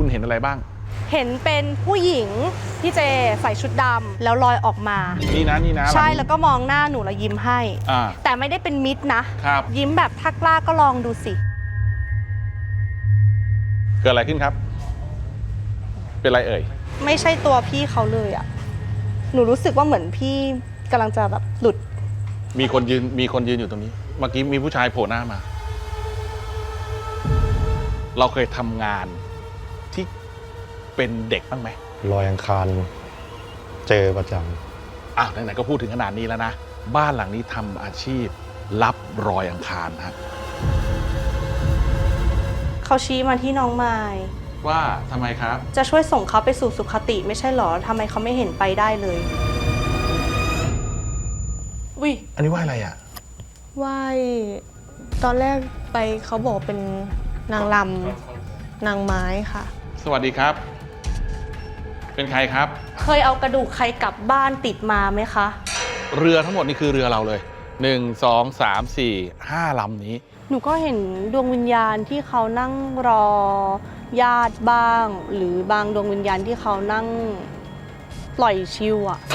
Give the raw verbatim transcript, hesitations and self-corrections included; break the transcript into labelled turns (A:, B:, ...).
A: คุณเห็นอะไรบ้าง
B: เห็นเป็นผู้หญิงพี่เจใส่ชุดดำแล้วลอยออกมา
A: นี่นะนี่นะ
B: ใช่แล้วก็มองหน้าหนูแล้วยิ้มให้แต่ไม่ได้เป็นมิตรนะครับยิ้มแบบถ้ากล้าก็ลองดูสิ
A: เกิดอะไรขึ้นครับเป็นไรเอ่ย
B: ไม่ใช่ตัวพี่เขาเลยอ่ะหนูรู้สึกว่าเหมือนพี่กำลังจะแบบหลุด
A: มีคนยืนมีคนยืนอยู่ตรงนี้เมื่อกี้มีผู้ชายโผล่หน้ามาเราเคยทำงานที่เป็นเด็กบ้างไหม
C: ลอยอังคารเจอประจ
A: ำอ่ะไหนๆก็พูดถึงขนาดนี้แล้วนะบ้านหลังนี้ทำอาชีพรับรอยอังคารฮะ
B: เขาชี้มาที่น้องไม้
A: ว่าทำไมครับ
B: จะช่วยส่งเขาไปสู่สุขติไม่ใช่หรอทำไมเขาไม่เห็นไปได้เลย
A: วิอันนี้ว่าอะไรอ่ะ
D: ว่าตอนแรกไปเขาบอกเป็นนางลำนางไม้ค่ะ
A: สวัสดีครับเป็นใครครับ
B: เคยเอากระดูกใครกลับบ้านติดมาไหมคะ
A: เรือทั้งหมดนี่คือเรือเราเลยหนึ่ง สอง สาม สี่ ห้าลำนี้
B: หนูก็เห็นดวงวิญญาณที่เขานั่งรอญาติบ้างหรือบางดวงวิญญาณที่เขานั่งปล่อยชิวอะ